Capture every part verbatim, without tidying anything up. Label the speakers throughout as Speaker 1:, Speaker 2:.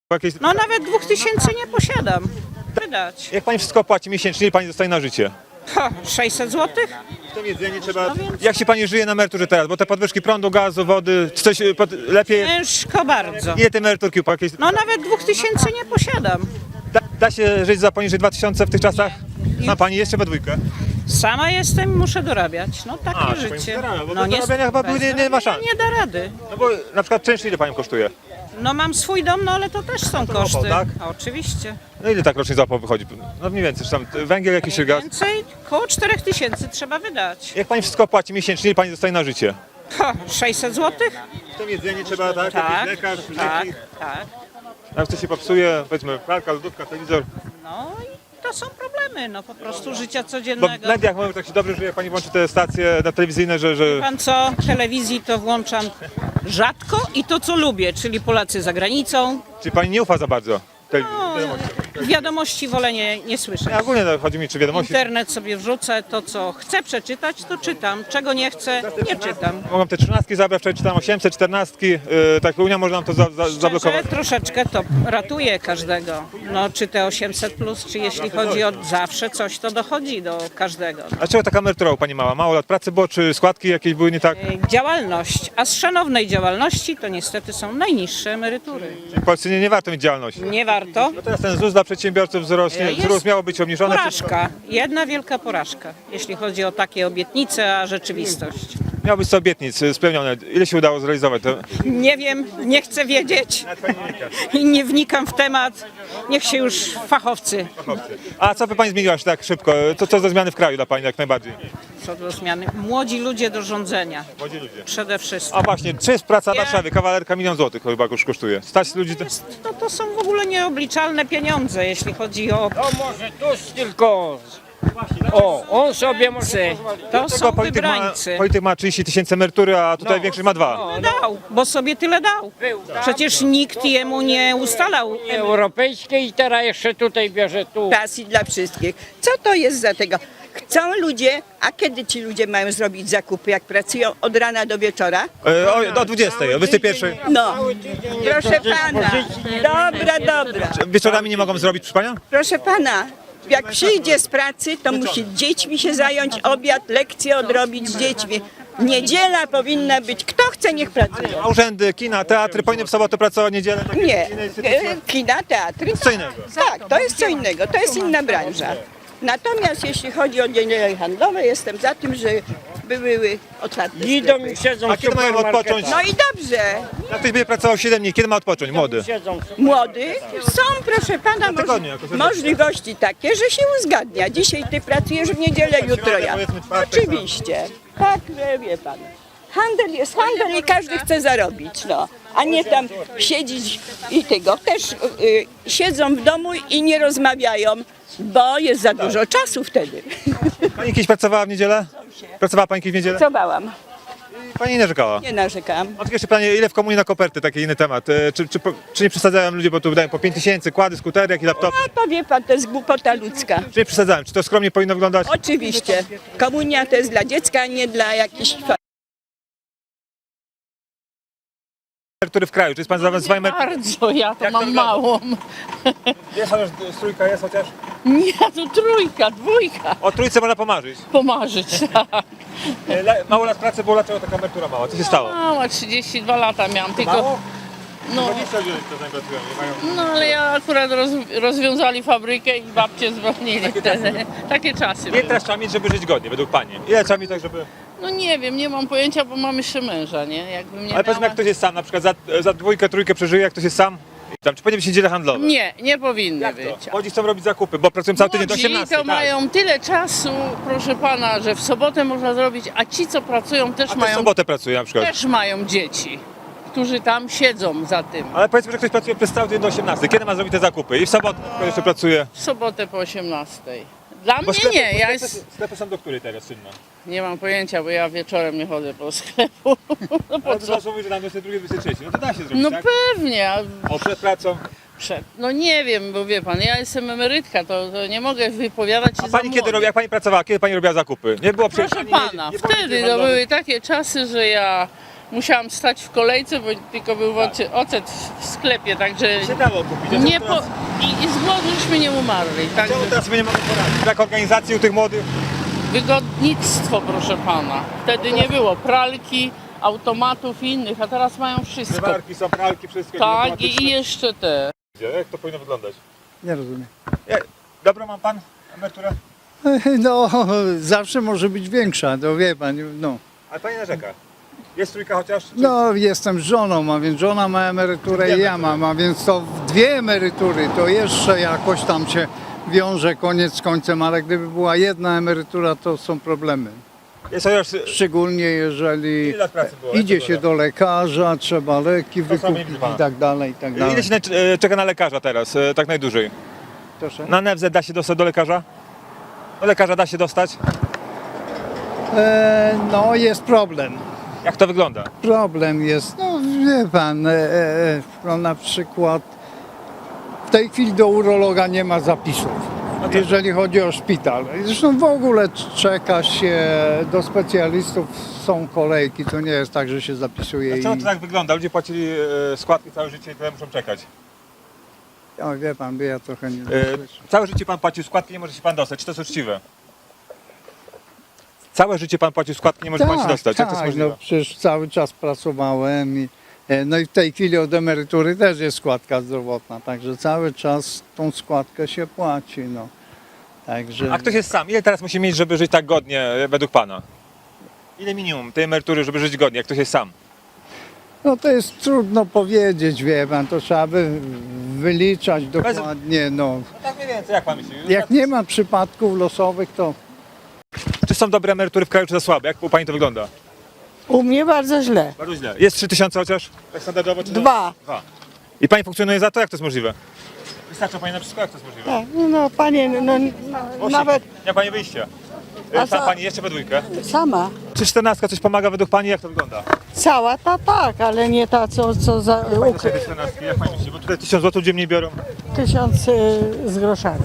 Speaker 1: Jakieś...
Speaker 2: No nawet dwóch tysięcy nie posiadam. Wydać.
Speaker 1: Jak pani wszystko płaci miesięcznie, ile pani dostaje na życie?
Speaker 2: Ha, sześćset złotych?
Speaker 1: To jedzenie trzeba...
Speaker 2: No więc-
Speaker 1: Jak się pani żyje na emeryturze teraz? Bo te podwyżki prądu, gazu, wody, czy coś pod... lepiej...
Speaker 2: Ciężko bardzo.
Speaker 1: Ile te emeryturki? Jakieś...
Speaker 2: No nawet dwóch tysięcy nie posiadam.
Speaker 1: Da, da się żyć za poniżej dwa tysiące w tych czasach? Ma pani jeszcze we dwójkę?
Speaker 2: Sama jestem i muszę dorabiać. No takie
Speaker 1: A, czy pani
Speaker 2: życie.
Speaker 1: zarabia, bo
Speaker 2: No
Speaker 1: bez zarabiania chyba
Speaker 2: bez
Speaker 1: nie- nie ma
Speaker 2: zarabiania
Speaker 1: szans.
Speaker 2: Nie da rady.
Speaker 1: No bo na przykład czynsz ile panią kosztuje?
Speaker 2: No mam swój dom, no ale to też są
Speaker 1: to
Speaker 2: koszty.
Speaker 1: opał, tak?
Speaker 2: A, oczywiście.
Speaker 1: No ile tak rocznie za opał wychodzi? No mniej więcej, czy tam węgiel jakiś czy gaz?
Speaker 2: Więcej, koło czterech tysięcy trzeba wydać.
Speaker 1: Jak pani wszystko płaci miesięcznie, ile pani dostaje na życie?
Speaker 2: Ha, sześćset złotych?
Speaker 1: To jedzenie trzeba, tak?
Speaker 2: Tak,
Speaker 1: Jakiś lekarz,
Speaker 2: tak,
Speaker 1: leki.
Speaker 2: tak.
Speaker 1: Jak coś się popsuje, powiedzmy pralka, lodówka, telewizor.
Speaker 2: No i to są problemy, no po prostu życia
Speaker 1: Bo w
Speaker 2: codziennego.
Speaker 1: mediach mówią tak się dobrze, że jak pani włączy te stacje na telewizyjne, że... że...
Speaker 2: Pan co, telewizji to włączam rzadko i to co lubię, czyli Polacy za granicą.
Speaker 1: Czy pani nie ufa za bardzo? Te...
Speaker 2: No,
Speaker 1: wiadomości.
Speaker 2: wiadomości wolę nie, nie słyszeć.
Speaker 1: Nie, ogólnie no, chodzi mi, czy wiadomości...
Speaker 2: Internet sobie wrzucę, to co chcę przeczytać, to czytam. Czego nie chcę, nie czytam.
Speaker 1: Mogą te trzynastki zabrać, wczoraj czytałem osiemset, czternastki, yy, tak Unia może nam to za, za, zablokować.
Speaker 2: Szczerze, troszeczkę to ratuje każdego. No, czy te osiemset plus, czy jeśli chodzi o zawsze coś, to dochodzi do każdego.
Speaker 1: A czego taka emerytura u pani mała? Mało lat pracy było, czy składki jakieś były nie tak?
Speaker 2: Działalność, a z szanownej działalności to niestety są najniższe emerytury.
Speaker 1: W Polsce nie, nie warto mieć działalności.
Speaker 2: Nie warto.
Speaker 1: No teraz ten ZUS dla przedsiębiorców wzrośnie,
Speaker 2: Jest
Speaker 1: wzrósł miało być obniżony.
Speaker 2: Porażka, jedna wielka porażka, jeśli chodzi o takie obietnice, a rzeczywistość.
Speaker 1: Miało być sto obietnic y, spełnione. Ile się udało zrealizować? To...
Speaker 2: Nie wiem, nie chcę wiedzieć i nie wnikam w temat. Niech się już fachowcy
Speaker 1: A co by pani zmieniła się tak szybko? To co za zmiany w kraju dla pani jak najbardziej?
Speaker 2: co do zmiany. Młodzi ludzie do rządzenia
Speaker 1: Młodzi ludzie.
Speaker 2: przede wszystkim.
Speaker 1: A właśnie, czy jest praca w
Speaker 2: Ja-
Speaker 1: Warszawie? Kawalerka milion złotych chyba już kosztuje. Stać ludzi... To...
Speaker 2: To, to są w ogóle nieobliczalne pieniądze, jeśli chodzi o...
Speaker 3: To może Tusk tylko. O, on sobie może pozwolić.
Speaker 2: To są
Speaker 1: Tylko polityk ma,
Speaker 2: wybrańcy.
Speaker 1: polityk ma trzydzieści tysięcy emerytury, a tutaj
Speaker 3: No.
Speaker 1: większość ma dwa.
Speaker 2: Tyle dał, bo sobie tyle dał. Przecież nikt jemu nie ustalał.
Speaker 3: Europejskie i teraz jeszcze tutaj bierze tu.
Speaker 4: Pasji dla wszystkich. Co to jest za tego? Chcą ludzie, a kiedy ci ludzie mają zrobić zakupy, jak pracują od rana do wieczora?
Speaker 1: E, o, o dwudziestej, o dwudziestej pierwszej.
Speaker 4: No, proszę pana, dobra, dobra.
Speaker 1: Wieczorami nie mogą zrobić, proszę panią?
Speaker 4: Proszę pana, jak przyjdzie z pracy, to musi dziećmi się zająć, obiad, lekcje odrobić z dziećmi. Niedziela powinna być, kto chce, niech pracuje.
Speaker 1: A urzędy, kina, teatry powinny w sobotę pracować, niedzielę? takie
Speaker 4: Nie,
Speaker 1: inne instytucje?
Speaker 4: e, kina, teatry,
Speaker 1: Co innego.
Speaker 4: tak, to jest co innego, to jest inna branża. Natomiast jeśli chodzi o niedziele handlowe, jestem za tym, że były otwarte
Speaker 3: Idą
Speaker 4: sklepy.
Speaker 3: i siedzą
Speaker 1: A
Speaker 3: w
Speaker 1: kiedy mają odpocząć?
Speaker 4: No i dobrze,
Speaker 1: Jak ktoś będzie pracował siedem dni, kiedy ma odpocząć? Młody.
Speaker 3: Siedzą.
Speaker 4: młody, są, proszę pana,
Speaker 1: tygodniu
Speaker 4: moż-
Speaker 1: jakoś.
Speaker 4: możliwości takie, że się uzgadnia. Dzisiaj ty pracujesz w niedzielę, jutro ja.
Speaker 1: powiedzmy czwartek,
Speaker 4: Oczywiście. Tak, że wie pan. Handel jest handel i każdy chce zarobić, no. A nie tam siedzieć i tego. Też y, siedzą w domu i nie rozmawiają, bo jest za dużo czasu wtedy.
Speaker 1: Pani kiedyś pracowała w niedzielę? Pracowała pani kiedyś w niedzielę?
Speaker 4: Pracowałam,
Speaker 1: Pani nie narzekała.
Speaker 4: nie narzekam.
Speaker 1: Mam tylko jeszcze pytanie, ile w komunie na koperty, taki inny temat. E, Czy, czy, czy nie przesadzają ludzie, bo tu wydają po pięć tysięcy, kłady, skutery, jak i laptopy?
Speaker 4: A to wie pan, to jest głupota ludzka.
Speaker 1: Czy nie przesadzają? Czy to skromnie powinno wyglądać?
Speaker 4: Oczywiście. Komunia to jest dla dziecka, a nie dla jakichś...
Speaker 1: Który w kraju? Czy jest pan za swoim...
Speaker 5: Bardzo, ja to
Speaker 1: Jak to
Speaker 5: mam
Speaker 1: wygląda?
Speaker 5: małą.
Speaker 1: Jest chociaż trójka, jest chociaż?
Speaker 5: Nie, to trójka, dwójka.
Speaker 1: O trójce można pomarzyć.
Speaker 5: Pomarzyć, tak.
Speaker 1: E, le- Mało lat pracy było, dlaczego taka emerytura mała? Co się stało?
Speaker 5: Mała, trzydzieści dwa lata miałam, tylko...
Speaker 1: Mało?
Speaker 5: No,
Speaker 1: dwadzieścia ludzi to z nami pracują, nie mają...
Speaker 5: no ale ja akurat roz, rozwiązali fabrykę i babcie zwolnili wtedy. Takie czasy
Speaker 1: Ile
Speaker 5: były.
Speaker 1: teraz trzeba mieć, żeby żyć godnie, według pani? Ile trzeba mieć tak, żeby...
Speaker 5: No nie wiem, nie mam pojęcia, bo mam jeszcze męża, nie? Jakbym nie
Speaker 1: Ale powiedzmy,
Speaker 5: miała...
Speaker 1: jak ktoś jest sam, na przykład za, za dwójkę, trójkę przeżyje, jak ktoś jest sam? Tam, czy powinny być niedziele handlowe?
Speaker 5: Nie, nie powinny
Speaker 1: Jak
Speaker 5: być.
Speaker 1: to? Młodzi chcą robić zakupy, bo pracują cały tydzień do
Speaker 5: Młodzi
Speaker 1: osiemnastej.
Speaker 5: to
Speaker 1: tak.
Speaker 5: mają tyle czasu, proszę pana, że w sobotę można zrobić, a ci, co pracują, też
Speaker 1: A też w
Speaker 5: mają,
Speaker 1: sobotę pracuje na przykład.
Speaker 5: też mają dzieci, którzy tam siedzą za tym.
Speaker 1: Ale powiedzmy, że ktoś pracuje przez cały dzień do osiemnastej. Kiedy ma zrobić te zakupy? I w sobotę na przykład jeszcze pracuje.
Speaker 5: W sobotę po osiemnastej. Dla
Speaker 1: Bo
Speaker 5: mnie
Speaker 1: sklepy,
Speaker 5: nie,
Speaker 1: bo
Speaker 5: ja
Speaker 1: sklepy,
Speaker 5: jest,
Speaker 1: sklepy są do której teraz czynne?
Speaker 5: nie mam pojęcia, bo ja wieczorem nie chodzę po sklepu. No po
Speaker 1: Ale
Speaker 5: co?
Speaker 1: to zawsze mówi, że na dwudziestej drugiej, dwudziestej trzeciej. No to da się zrobić,
Speaker 5: No
Speaker 1: tak?
Speaker 5: pewnie, a
Speaker 1: O, przed pracą.
Speaker 5: przed, no nie wiem, bo wie pan, ja jestem emerytka, to, to nie mogę wypowiadać się
Speaker 1: A
Speaker 5: za
Speaker 1: pani kiedy
Speaker 5: młodych.
Speaker 1: robi, jak pani pracowała, kiedy pani robiła zakupy? Nie było przecież
Speaker 5: Proszę
Speaker 1: ani
Speaker 5: pana,
Speaker 1: nie- nie było
Speaker 5: wtedy
Speaker 1: niedziel
Speaker 5: to
Speaker 1: handlowych.
Speaker 5: były takie czasy, że ja Musiałam stać w kolejce, bo tylko był oce- ocet w sklepie, także
Speaker 1: Się dało kupić. a
Speaker 5: nie
Speaker 1: czemu
Speaker 5: po,
Speaker 1: teraz-
Speaker 5: i, i z głodu żeśmy nie umarli. Także
Speaker 1: Czemu teraz sobie nie mogę poradzić? Brak organizacji u tych młodych?
Speaker 5: wygodnictwo, proszę pana. Wtedy nie było pralki, automatów i innych, a teraz mają wszystko.
Speaker 1: Zmywarki, są pralki, wszystko.
Speaker 5: Tak, i,
Speaker 1: automatyczne.
Speaker 5: i jeszcze te.
Speaker 1: Jak to powinno wyglądać?
Speaker 6: Nie rozumiem.
Speaker 1: Jak, dobrą mam pan emeryturę?
Speaker 6: No, zawsze może być większa, to wie pan, no.
Speaker 1: Ale pani narzeka. Jest trójka chociaż? Czy...
Speaker 6: No, jestem z żoną, a więc żona ma emeryturę i ja mam, a więc to dwie emerytury, to jeszcze jakoś tam się wiąże koniec z końcem, ale gdyby była jedna emerytura, to są problemy.
Speaker 1: Jest chociaż...
Speaker 6: Szczególnie jeżeli
Speaker 1: Ile lat pracy było?
Speaker 6: idzie
Speaker 1: Jak to
Speaker 6: się
Speaker 1: było?
Speaker 6: do lekarza, trzeba leki
Speaker 1: To samo
Speaker 6: wykupić
Speaker 1: nie pana.
Speaker 6: i tak dalej, i tak dalej.
Speaker 1: Ile się na, e, czeka na lekarza teraz, e, tak najdłużej?
Speaker 6: Proszę?
Speaker 1: Na N F Z da się dostać do lekarza? Do lekarza da się dostać?
Speaker 6: E, no, jest problem.
Speaker 1: Jak to wygląda?
Speaker 6: Problem jest, no wie pan, e, e, no na przykład w tej chwili do urologa nie ma zapisów,
Speaker 1: tak.
Speaker 6: jeżeli chodzi o szpital. Zresztą w ogóle czeka się do specjalistów, są kolejki, to nie jest tak, że się zapisuje i...
Speaker 1: Dlaczego to tak wygląda? Ludzie płacili e, składki całe życie i tyle muszą czekać.
Speaker 6: O, wie pan, by ja trochę nie
Speaker 1: E,
Speaker 6: słyszę.
Speaker 1: całe życie pan płacił składki, nie może się pan dostać. Czy to jest uczciwe? Całe życie pan płacił składki, nie może pan się dostać. Jak to jest
Speaker 6: tak,
Speaker 1: możliwe?
Speaker 6: no przecież cały czas pracowałem i e, no i w tej chwili od emerytury też jest składka zdrowotna, także cały czas tą składkę się płaci, no. Także...
Speaker 1: A ktoś jest sam. Ile teraz musi mieć, żeby żyć tak godnie e, według pana? Ile minimum tej emerytury, żeby żyć godnie, jak ktoś jest sam?
Speaker 6: No to jest trudno powiedzieć, wie pan, to trzeba by wyliczać dokładnie, no.
Speaker 1: No tak mniej więcej, jak pan myśli?
Speaker 6: Jak nie ma przypadków losowych, to
Speaker 1: Czy są dobre emerytury w kraju, czy za słabe? Jak u pani to wygląda?
Speaker 7: U mnie bardzo źle.
Speaker 1: Bardzo źle. Jest trzy tysiące chociaż? Tak standardowo? Czy to-
Speaker 7: Dwa.
Speaker 1: Dwa. I pani funkcjonuje za to? Jak to jest możliwe? Wystarcza pani na wszystko? Jak to jest możliwe?
Speaker 7: Tak, no panie, no, no
Speaker 1: Właśnie,
Speaker 7: nawet
Speaker 1: Nie ma pani wyjścia. E,
Speaker 7: A
Speaker 1: Sam
Speaker 7: co?
Speaker 1: pani jeszcze we dwójkę.
Speaker 7: sama.
Speaker 1: Czy czternastka coś pomaga według pani? Jak to wygląda?
Speaker 7: Cała ta tak, ale nie ta, co, co za
Speaker 1: Pani
Speaker 7: ukry-
Speaker 1: dostaje tej czternastki, jak pani myśli? Bo tutaj tysiąc złotych ludzie mniej biorą
Speaker 7: tysiąc y, z groszami.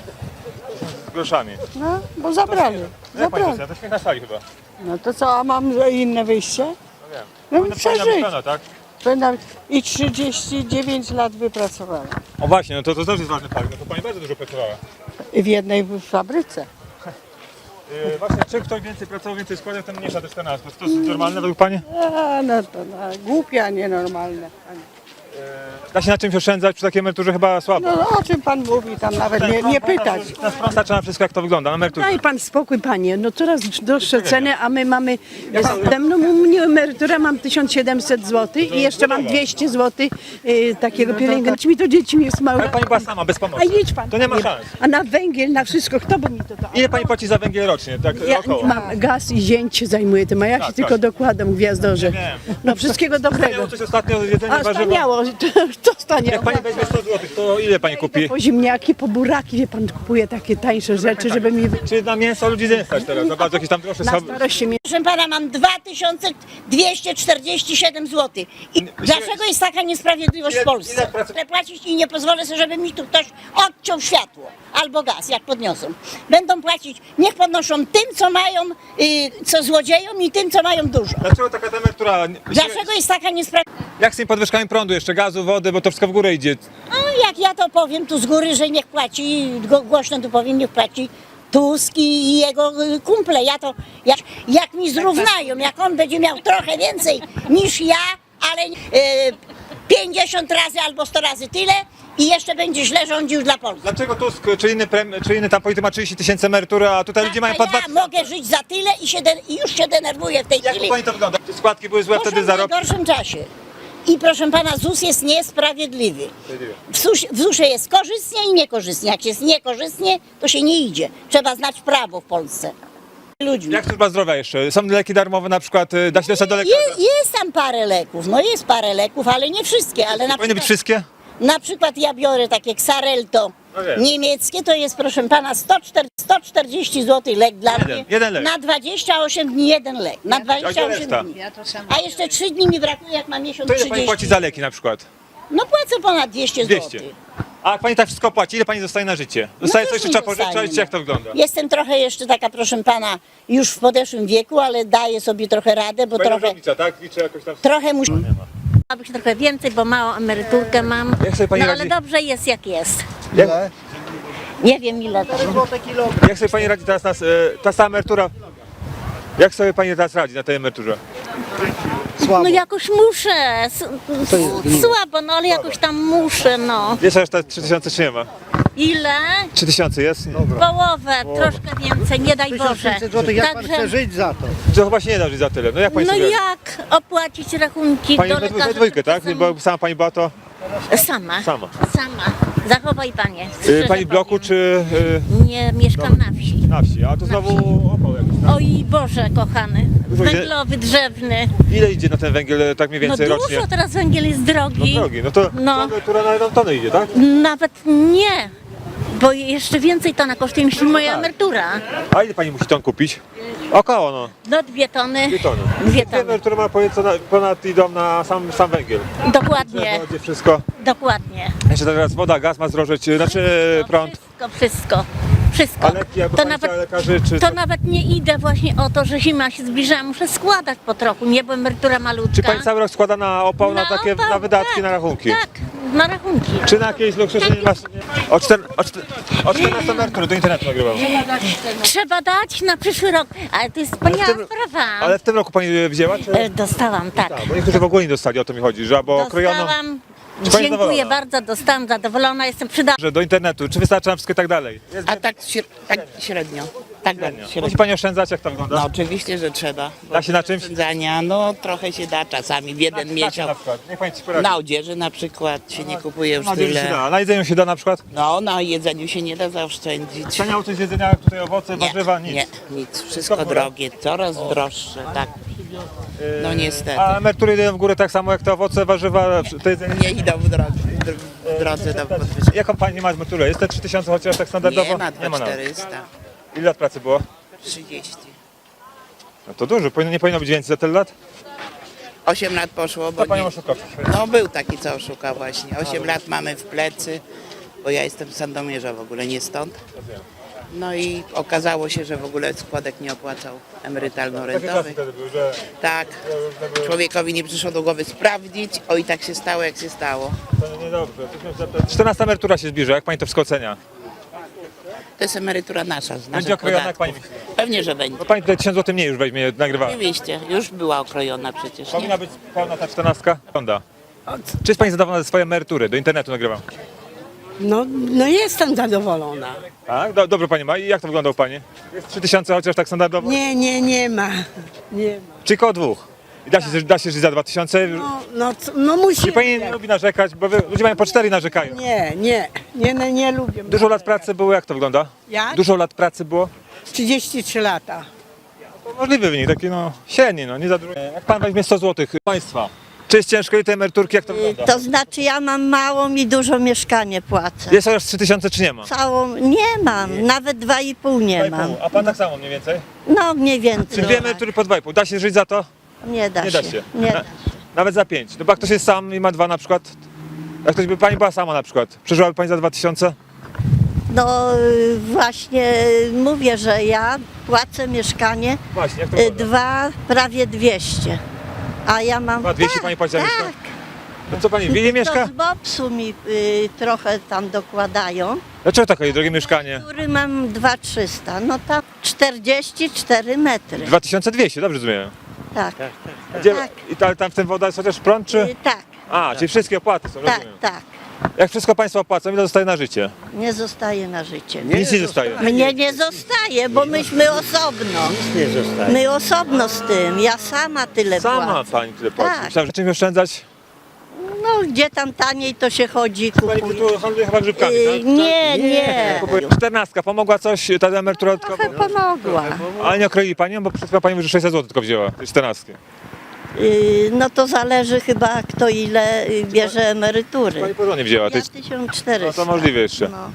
Speaker 1: z groszami.
Speaker 7: No, bo zabrali.
Speaker 1: Jak pani to
Speaker 7: Zabrali.
Speaker 1: chce? To śmiech na sali chyba.
Speaker 7: No to co, a mam inne wyjście?
Speaker 1: No wiem.
Speaker 7: No
Speaker 1: Powinna pani
Speaker 7: przeżyć.
Speaker 1: na pewno, tak?
Speaker 7: Będę i trzydzieści dziewięć lat wypracowała.
Speaker 1: O właśnie, no to, to też jest ważny fakt. No to pani bardzo dużo pracowała.
Speaker 7: I w jednej fabryce.
Speaker 1: Yy, właśnie, czy ktoś więcej pracował, więcej składał, ten mniejsza te czternastkę. Czy to jest normalne według pani?
Speaker 7: A, no to no, głupie, a nienormalne.
Speaker 1: Da się na czymś oszczędzać przy takiej emeryturze chyba słabo.
Speaker 7: No o czym pan mówi, tam nawet nie, nie pytać.
Speaker 1: Na sprąd starcza na wszystko, jak to wygląda, na emeryturze.
Speaker 8: Daj pan spokój, panie. No coraz droższe ceny, a my mamy. Ze mną u mnie emerytura mam tysiąc siedemset złotych i jeszcze mam dwieście złotych y, takiego pielęgnacji. Mi to dzieci jest małe.
Speaker 1: Ale pani była sama, bez
Speaker 8: A
Speaker 1: pomocy.
Speaker 8: jedź pan.
Speaker 1: To nie ma
Speaker 8: panie.
Speaker 1: szans.
Speaker 8: A na węgiel, na wszystko, kto by mi to dał?
Speaker 1: Ile pani płaci za węgiel rocznie? Tak
Speaker 8: Ja
Speaker 1: około.
Speaker 8: mam gaz i zięć się zajmuje tym, a ja się
Speaker 1: Tak,
Speaker 8: tylko
Speaker 1: tak.
Speaker 8: dokładam w gwiazdorze.
Speaker 1: wiem.
Speaker 8: No wszystkiego dobrego.
Speaker 1: Miało coś ostatnio jedzenie
Speaker 8: A
Speaker 1: warzywo.
Speaker 8: staniało, to, to staniało.
Speaker 1: Jak pani weźmie sto złotych, to ile pani kupi?
Speaker 8: Po ziemniaki, po buraki, wie pan, kupuje takie tańsze rzeczy, żeby mi
Speaker 1: Czy na mięso ludzi nie stać teraz? Za bardzo jakieś tam droższe
Speaker 8: na
Speaker 1: są.
Speaker 8: starość mi
Speaker 9: Proszę pana, mam dwa tysiące dwieście czterdzieści siedem złotych. I dlaczego jest taka niesprawiedliwość
Speaker 1: Ile-
Speaker 9: w Polsce?
Speaker 1: ile pracy-
Speaker 9: Chcę płacić i nie pozwolę sobie, żeby mi tu ktoś odciął światło albo gaz, jak podniosą. Będą płacić, niech podnoszą tym, co mają, y, co złodziejom i tym, co mają dużo.
Speaker 1: Dlaczego taka ta emerytura?
Speaker 9: Dlaczego jest taka niesprawiedliwość?
Speaker 1: Jak z tymi podwyżkami prądu, jeszcze gazu, wody, bo to wszystko w górę idzie.
Speaker 9: No jak ja to powiem tu z góry, że niech płaci, go- głośno tu powiem, niech płaci Tusk i jego y, kumple. Ja to, jak, jak mi zrównają, jak on będzie miał trochę więcej niż ja, ale y, pięćdziesiąt razy albo sto razy tyle i jeszcze będzie źle rządził dla Polski.
Speaker 1: Dlaczego Tusk czy inny, prem, czy inny tam polityk ma trzydzieści tysięcy emerytury, a tutaj ludzie
Speaker 9: A
Speaker 1: mają po dwa
Speaker 9: ja mogę żyć za tyle i, się de, i już się denerwuję w tej
Speaker 1: Jak
Speaker 9: chwili.
Speaker 1: u pani to wygląda? Czy składki były złe
Speaker 9: Muszą
Speaker 1: wtedy
Speaker 9: w
Speaker 1: za rok?
Speaker 9: najgorszym czasie. I proszę pana, ZUS jest niesprawiedliwy. W ZUS- w zusie jest korzystnie i niekorzystnie. Jak jest niekorzystnie, to się nie idzie. Trzeba znać prawo w Polsce. Ludźmi.
Speaker 1: Jak służba zdrowia jeszcze? Są leki darmowe na przykład, y, da się dostać do lekarza?
Speaker 9: Je, jest tam parę leków, no jest parę leków, ale nie wszystkie, ale na
Speaker 1: Powinny być
Speaker 9: przykład,
Speaker 1: wszystkie?
Speaker 9: na przykład ja biorę takie Xarelto
Speaker 1: No wiem.
Speaker 9: niemieckie, to jest proszę pana sto czterdzieści złotych lek dla
Speaker 1: Jeden,
Speaker 9: mnie.
Speaker 1: jeden lek.
Speaker 9: Na dwadzieścia osiem dni jeden lek. Na
Speaker 1: A
Speaker 9: dwadzieścia
Speaker 1: gdzie
Speaker 9: osiem
Speaker 1: reszta?
Speaker 9: dni. A jeszcze trzy dni mi brakuje, jak mam miesiąc
Speaker 1: To ile pani
Speaker 9: trzydzieści.
Speaker 1: płaci za leki na przykład?
Speaker 9: No płacę ponad dwieście
Speaker 1: dwieście.
Speaker 9: złotych.
Speaker 1: A jak pani tak wszystko płaci, ile pani zostaje na życie? Zostaje
Speaker 9: No
Speaker 1: coś,
Speaker 9: już
Speaker 1: czy
Speaker 9: nie
Speaker 1: trzeba
Speaker 9: zostaje,
Speaker 1: pożyczać,
Speaker 9: no.
Speaker 1: jak to wygląda?
Speaker 9: Jestem trochę jeszcze taka, proszę pana, już w podeszłym wieku, ale daję sobie trochę radę, bo
Speaker 1: Pani
Speaker 9: trochę,
Speaker 1: rozlicza, tak? Liczy jakoś tam...
Speaker 9: trochę muszę...
Speaker 10: Chciałabyś trochę więcej, bo małą emeryturkę mam.
Speaker 1: Jak sobie pani
Speaker 10: No
Speaker 1: radzi?
Speaker 10: ale dobrze jest jak jest.
Speaker 1: Jak,
Speaker 10: Nie wiem ile to.
Speaker 1: jak sobie pani radzi teraz na, s- e, ta sama emerytura? Jak sobie pani teraz radzi na tej emeryturze?
Speaker 10: No jakoś muszę. S- s- Słabo, no ale jakoś tam muszę, no.
Speaker 1: Jest aż te trzy tysiące czy nie ma?
Speaker 10: Ile?
Speaker 1: trzy tysiące jest?
Speaker 10: Połowę, troszkę więcej, nie daj Boże. Także,
Speaker 6: żyć za to?
Speaker 1: To chyba się nie da żyć za tyle. No jak pani
Speaker 10: no
Speaker 1: sobie radzi?
Speaker 10: jak opłacić rachunki
Speaker 1: Pani
Speaker 10: do
Speaker 1: we, we
Speaker 10: lekarza?
Speaker 1: dwójkę, tak?
Speaker 10: Sam-
Speaker 1: Bo sama pani była to
Speaker 10: Sama.
Speaker 1: sama.
Speaker 10: Sama. Zachowaj panie.
Speaker 1: Y,
Speaker 10: szczerze
Speaker 1: pani w bloku
Speaker 10: powiem.
Speaker 1: czy
Speaker 10: Nie, mieszkam na wsi.
Speaker 1: y, na wsi? A to znowu opał jakiś. tak?
Speaker 10: Oj Boże, kochany.
Speaker 1: Dużo idzie-
Speaker 10: Węglowy, drzewny.
Speaker 1: Ile idzie na ten węgiel e, tak mniej
Speaker 10: No
Speaker 1: więcej
Speaker 10: dużo,
Speaker 1: rocznie?
Speaker 10: teraz węgiel jest
Speaker 1: No
Speaker 10: drogi.
Speaker 1: drogi, no to
Speaker 10: No.
Speaker 1: emerytura na jedną tonę idzie, tak?
Speaker 10: Nawet nie, bo jeszcze więcej tona kosztuje niż moja emerytura.
Speaker 1: A ile pani musi ton kupić? Około no,
Speaker 10: No dwie tony.
Speaker 1: dwie tony.
Speaker 10: Dwie
Speaker 1: Dwie
Speaker 10: tony.
Speaker 1: emerytury ma ponad, ponad idą na sam, sam węgiel.
Speaker 10: Dokładnie,
Speaker 1: Wodzie, wszystko.
Speaker 10: dokładnie.
Speaker 1: Jeszcze teraz woda, gaz ma zdrożeć, e, znaczy e, prąd.
Speaker 10: Wszystko, wszystko, wszystko.
Speaker 1: A leki, jakby
Speaker 10: To
Speaker 1: pani
Speaker 10: nawet,
Speaker 1: chciała lekarzy, czy
Speaker 10: to
Speaker 1: co?
Speaker 10: nawet nie idę właśnie o to, że zima się zbliża, muszę składać po trochu, nie, bo emerytura malutka.
Speaker 1: Czy pani cały rok składa na opał, na,
Speaker 10: Na
Speaker 1: takie
Speaker 10: opał,
Speaker 1: na wydatki,
Speaker 10: tak,
Speaker 1: na rachunki?
Speaker 10: Tak, na rachunki.
Speaker 1: Czy na jakieś luksusy nie masz? O, czter, o, czter, o czternastej emerytury do internetu nagrywam.
Speaker 10: Trzeba dać na przyszły rok, ale to jest wspaniała
Speaker 1: tym-
Speaker 10: sprawa.
Speaker 1: Ale w tym roku pani e, wzięła? Czy...
Speaker 10: E, Dostałam, tak.
Speaker 1: Tak, bo niektórzy w ogóle nie dostali, o to mi chodzi, że albo krojono,
Speaker 10: Dostałam.
Speaker 1: Czy pani
Speaker 10: Dziękuję
Speaker 1: zadowolona?
Speaker 10: bardzo, dostałam, zadowolona, jestem przydatna.
Speaker 1: że do internetu, czy wystarczy nam wszystko i tak dalej? Jest
Speaker 11: A tak, śre- tak średnio. Tak
Speaker 1: średnio.
Speaker 11: średnio.
Speaker 1: Musi pani oszczędzać, jak to wygląda?
Speaker 11: No oczywiście, że trzeba.
Speaker 1: Da się na czymś?
Speaker 11: Oszczędzania, no trochę się da czasami w jeden
Speaker 1: Na
Speaker 11: miesiąc.
Speaker 1: przykład, niech pani ci poradzi.
Speaker 11: Na odzieży na przykład się nie kupuje już
Speaker 1: Na jedzeniu się
Speaker 11: tyle.
Speaker 1: da, na jedzeniu się da na przykład?
Speaker 11: No na jedzeniu się nie da zaoszczędzić.
Speaker 1: Taniało coś z jedzenia, jak tutaj owoce,
Speaker 11: Nie,
Speaker 1: warzywa, nic.
Speaker 11: nie, nic. Wszystko drogie, coraz droższe, tak. No niestety.
Speaker 1: A emerytury idą w górę tak samo jak te owoce, warzywa, to jedzenie?
Speaker 11: Nie idą w drodze, w drodze do podwyżki.
Speaker 1: Jaką pani ma emeryturę? Jest te trzy tysiące chociaż tak standardowo?
Speaker 11: Nie ma
Speaker 1: nie ma
Speaker 11: dwa
Speaker 1: nawet.
Speaker 11: czterysta,
Speaker 1: Ile lat pracy było?
Speaker 11: trzydzieści.
Speaker 1: No to dużo, powinno, nie powinno być więcej za tyle lat?
Speaker 11: osiem lat poszło, bo
Speaker 1: To panią
Speaker 11: nie,
Speaker 1: oszukał.
Speaker 11: no był taki, co oszukał właśnie. osiem lat mamy w plecy, bo ja jestem z Sandomierza w ogóle, nie stąd. No i okazało się, że w ogóle składek nie opłacał
Speaker 1: Takie czasy
Speaker 11: emerytalno-rentowy.
Speaker 1: wtedy były, że
Speaker 11: Tak, człowiekowi nie przyszło do głowy sprawdzić, o i tak się stało, jak się stało.
Speaker 1: to niedobrze. czternasta emerytura się zbliża, jak pani to wszystko ocenia?
Speaker 11: To jest emerytura nasza, z
Speaker 1: Będzie
Speaker 11: naszych
Speaker 1: okrojona, jak pani
Speaker 11: podatków.
Speaker 1: myśli?
Speaker 11: Pewnie, że będzie.
Speaker 1: No pani tutaj tysiąc złotych mniej już weźmie, nagrywa.
Speaker 11: Oczywiście, już była okrojona przecież,
Speaker 1: Powinna
Speaker 11: nie?
Speaker 1: być pełna ta czternastka? Wygląda. Czy jest pani zadowolona ze swojej emerytury? Do internetu nagrywam.
Speaker 7: No, no jestem zadowolona.
Speaker 1: Tak? Do, dobrze pani ma. I jak to wygląda u pani? Jest trzy tysiące chociaż tak standardowo?
Speaker 7: Nie, nie, nie ma. Nie ma.
Speaker 1: Czy koło dwóch? I da się, da się żyć za dwa tysiące?
Speaker 7: No, no, co- no musi.
Speaker 1: Czy pani nie lubi narzekać? Bo wy, ludzie mają po cztery i narzekają.
Speaker 7: Nie, nie, nie, nie, nie lubię.
Speaker 1: Dużo lat pracy było, jak to wygląda?
Speaker 7: Jak?
Speaker 1: Dużo lat pracy było?
Speaker 7: trzydzieści trzy lata.
Speaker 1: To możliwy wynik, taki no średni, no nie za dużo. Jak pan weźmie sto złotych państwa, czy jest ciężko i te emeryturki, jak to wygląda?
Speaker 10: To znaczy ja mam małą i dużo mieszkanie płacę.
Speaker 1: Jest chociaż trzy tysiące czy nie ma?
Speaker 10: Całą nie mam, nawet dwa i pół nie
Speaker 1: dwa i
Speaker 10: mam.
Speaker 1: pół. A pan tak samo mniej więcej?
Speaker 10: No mniej więcej.
Speaker 1: Czy dwie emerytury po dwa i pół? Da się żyć za to?
Speaker 10: Nie da
Speaker 1: Nie
Speaker 10: się.
Speaker 1: da się.
Speaker 10: Nie
Speaker 1: Na, nawet za pięć. No bo jak ktoś jest sam i ma dwa na przykład, jak ktoś by pani była sama na przykład, przeżyłaby pani za dwa tysiące?
Speaker 10: No y, właśnie mówię, że ja płacę mieszkanie
Speaker 1: Właśnie, jak to
Speaker 10: y,
Speaker 1: wygląda?
Speaker 10: dwa, prawie dwieście. A ja mam.
Speaker 1: Dwa dwieście
Speaker 10: tak,
Speaker 1: pani płaci za
Speaker 10: tak.
Speaker 1: mieszkanie? No co pani, w Willie mieszka?
Speaker 10: To z bobsu mi y, trochę tam dokładają.
Speaker 1: Dlaczego takie drogie mieszkanie?
Speaker 10: Który mam dwa trzysta. No tam czterdzieści cztery metry.
Speaker 1: dwa tysiące dwieście, dobrze rozumiem.
Speaker 10: Tak,
Speaker 1: Gdzie,
Speaker 10: Tak.
Speaker 1: I ta, tam w tym woda jest chociaż prąd, czy?
Speaker 10: y, tak,
Speaker 1: A, czyli wszystkie opłaty są,
Speaker 10: tak,
Speaker 1: rozumiem.
Speaker 10: tak.
Speaker 1: Jak wszystko państwo opłacą, ile zostaje na życie?
Speaker 10: Nie zostaje na życie.
Speaker 1: Nic nie zostaje.
Speaker 10: Mnie nie zostaje, bo myśmy osobno. My osobno z tym. Ja sama tyle
Speaker 1: Sama
Speaker 10: płacę.
Speaker 1: pani tyle płaci.
Speaker 10: Tak.
Speaker 1: Myślałem, że czymś oszczędzać?
Speaker 10: No gdzie tam taniej to się chodzi,
Speaker 1: Pani
Speaker 10: kupuje.
Speaker 1: tu handluje chyba grzybkami,
Speaker 10: Y,
Speaker 1: tak?
Speaker 10: nie, nie.
Speaker 1: Kupuje- Czternastka, pomogła coś, ta emerytura
Speaker 10: Trochę
Speaker 1: dodatkowa?
Speaker 10: pomogła.
Speaker 1: Ale nie okroili panią, bo przed chwilą pani mówi, że sześćset złotych tylko wzięła, tej czternastki.
Speaker 10: Y, No to zależy chyba kto ile y, bierze emerytury.
Speaker 1: Pani porządnie wzięła. To,
Speaker 10: Ja
Speaker 1: jest,
Speaker 10: tysiąc
Speaker 1: no
Speaker 10: czterysta.
Speaker 1: to możliwe jeszcze.
Speaker 10: No.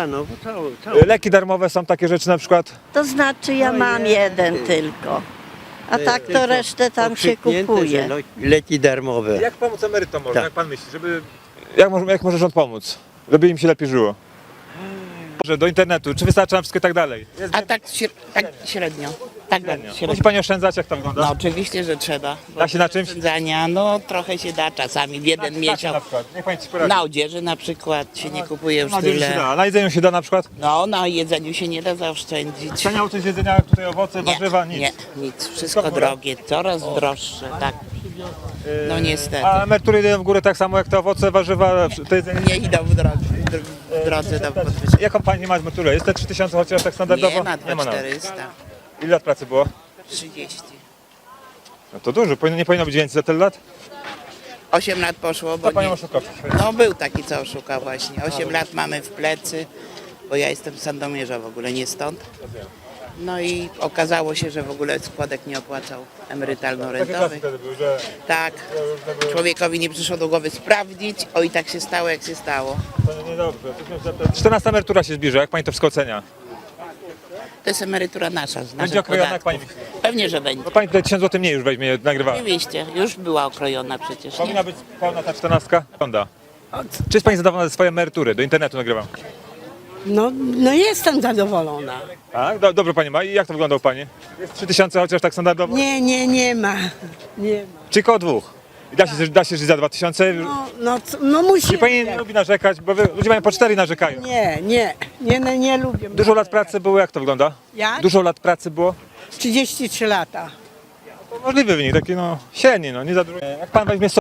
Speaker 1: Leki darmowe są takie rzeczy na przykład?
Speaker 10: To znaczy ja mam jeden tylko. A tak to resztę tam się kupuje.
Speaker 3: Leki darmowe.
Speaker 1: Jak pomóc emerytom może,
Speaker 3: Tak.
Speaker 1: jak pan myśli, żeby... Jak może, jak może rząd pomóc? Żeby im się lepiej żyło. Że do internetu, czy wystarcza na wszystko i tak dalej? Jest
Speaker 11: A tak, śre- tak średnio. Tak
Speaker 1: średnio.
Speaker 11: średnio.
Speaker 1: Musi pani oszczędzać, jak to wygląda?
Speaker 11: No oczywiście, że trzeba. bo
Speaker 1: Da się na czymś?
Speaker 11: oszczędzania, no trochę się da czasami w jeden
Speaker 1: Na
Speaker 11: miesiąc.
Speaker 1: przykład, niech pani ci poradzi.
Speaker 11: Na odzieży na przykład się nie kupuje już
Speaker 1: Na jedzeniu się
Speaker 11: tyle.
Speaker 1: da, na jedzeniu się da na przykład?
Speaker 11: No na jedzeniu się nie da zaoszczędzić.
Speaker 1: Cenia coś jedzenia, tutaj owoce,
Speaker 11: Nie,
Speaker 1: warzywa, nic.
Speaker 11: nie, nic. Wszystko
Speaker 1: w górę?
Speaker 11: drogie, coraz droższe, tak. No niestety.
Speaker 1: A emerytury idą w górę tak samo jak te owoce, warzywa, to jedzenie.
Speaker 11: Nie idą w drodze, w drodze do podwyżki.
Speaker 1: Jaką pani ma emeryturę? Jest te trzy tysiące chociaż tak standardowo?
Speaker 11: Nie ma dwa
Speaker 1: nawet.
Speaker 11: czterysta,
Speaker 1: Ile lat pracy było?
Speaker 11: trzydzieści.
Speaker 1: No to dużo, powinno, nie powinno być więcej za tyle lat?
Speaker 11: osiem lat poszło, bo
Speaker 1: To panią
Speaker 11: nie,
Speaker 1: oszukał.
Speaker 11: no był taki, co oszukał właśnie. osiem lat mamy w plecy, bo ja jestem z Sandomierza w ogóle, nie stąd. No i okazało się, że w ogóle składek nie opłacał
Speaker 1: Takie czasy
Speaker 11: emerytalno-rentowych.
Speaker 1: wtedy były, że
Speaker 11: Tak, człowiekowi nie przyszło do głowy sprawdzić, o i tak się stało, jak się stało.
Speaker 1: to niedobrze. czternasta emerytura się zbliża, jak pani to wszystko ocenia?
Speaker 11: To jest emerytura nasza, z
Speaker 1: Będzie
Speaker 11: naszych
Speaker 1: okrojona, jak
Speaker 11: podatków.
Speaker 1: pani myśli?
Speaker 11: Pewnie, że będzie.
Speaker 1: No pani tutaj tysiąc złotych mniej już weźmie, nagrywała.
Speaker 11: Oczywiście, już była okrojona przecież, nie?
Speaker 1: Powinna być pełna ta czternastka? Wygląda. Czy jest pani zadowolona ze swojej emerytury? Do internetu nagrywam.
Speaker 7: No, no jestem zadowolona.
Speaker 1: Tak? Do, dobrze pani ma. I jak to wygląda u pani? Jest trzy tysiące chociaż tak standardowo?
Speaker 7: Nie, nie, nie ma. Nie ma.
Speaker 1: Czy koło dwóch? I da się, da się żyć za dwa tysiące?
Speaker 7: No, no, co- no musi.
Speaker 1: Czy pani nie lubi narzekać? Bo wy, ludzie mają po cztery i narzekają.
Speaker 7: Nie, nie, nie, nie, nie lubię.
Speaker 1: Dużo lat pracy było, jak to wygląda?
Speaker 7: Jak?
Speaker 1: Dużo lat pracy było?
Speaker 7: trzydzieści trzy lata.
Speaker 1: To możliwy wynik, taki no średni, no nie za dużo. Jak pan weźmie